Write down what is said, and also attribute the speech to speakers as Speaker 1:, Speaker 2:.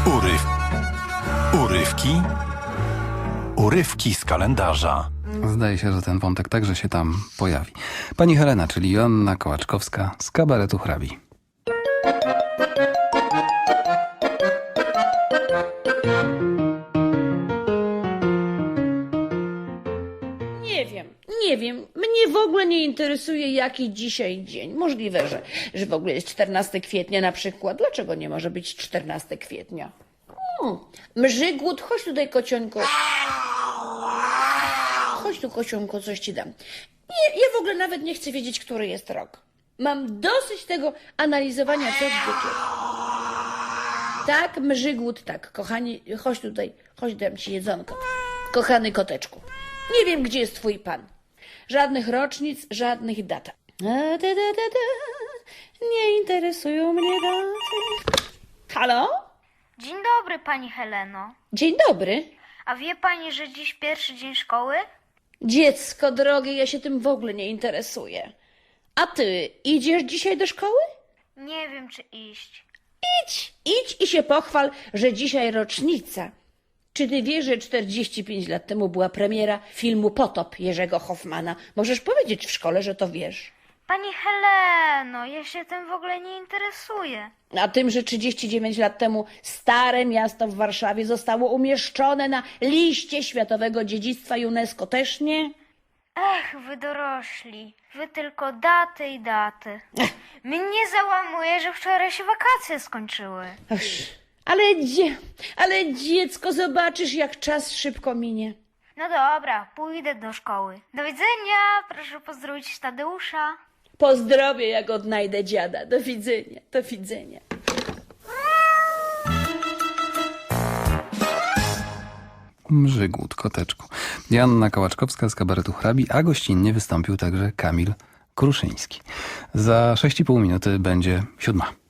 Speaker 1: Urywki z kalendarza.
Speaker 2: Zdaje się, że ten wątek także się tam pojawi. Pani Helena, czyli Joanna Kołaczkowska z kabaretu Hrabi.
Speaker 3: Nie wiem. Mnie w ogóle nie interesuje, jaki dzisiaj dzień. Możliwe, że w ogóle jest 14 kwietnia na przykład. Dlaczego nie może być 14 kwietnia? Mrzygłód, chodź tutaj, kocionko. Chodź tu, kocionko, coś ci dam. Nie, ja w ogóle nawet nie chcę wiedzieć, który jest rok. Mam dosyć tego analizowania, co zwykle. Tak, mrzygłód, tak. Kochani, chodź tutaj, chodź, dam ci jedzonko. Kochany koteczku, nie wiem, gdzie jest twój pan. Żadnych rocznic, żadnych dat. Nie interesują mnie daty. Halo?
Speaker 4: Dzień dobry, pani Heleno.
Speaker 3: Dzień dobry.
Speaker 4: A wie pani, że dziś pierwszy dzień szkoły?
Speaker 3: Dziecko drogie, ja się tym w ogóle nie interesuję. A ty idziesz dzisiaj do szkoły?
Speaker 4: Nie wiem, czy iść.
Speaker 3: Idź i się pochwal, że dzisiaj rocznica. Czy ty wiesz, że 45 lat temu była premiera filmu Potop Jerzego Hoffmana? Możesz powiedzieć w szkole, że to wiesz.
Speaker 4: Pani Heleno, ja się tym w ogóle nie interesuję.
Speaker 3: A tym, że 39 lat temu Stare Miasto w Warszawie zostało umieszczone na liście Światowego Dziedzictwa UNESCO, też nie?
Speaker 4: Ech, wy dorośli. Wy tylko daty i daty. Mnie załamuje, że wczoraj się wakacje skończyły.
Speaker 3: Ale dziecko, zobaczysz, jak czas szybko minie.
Speaker 4: No dobra, pójdę do szkoły. Do widzenia, proszę pozdrowić Tadeusza.
Speaker 3: Pozdrowię, jak odnajdę dziada. Do widzenia, do widzenia.
Speaker 2: Mrzygłód, koteczku. Joanna Kołaczkowska z kabaretu Hrabi, a gościnnie wystąpił także Kamil Kruszyński. Za 6,5 minuty będzie 7.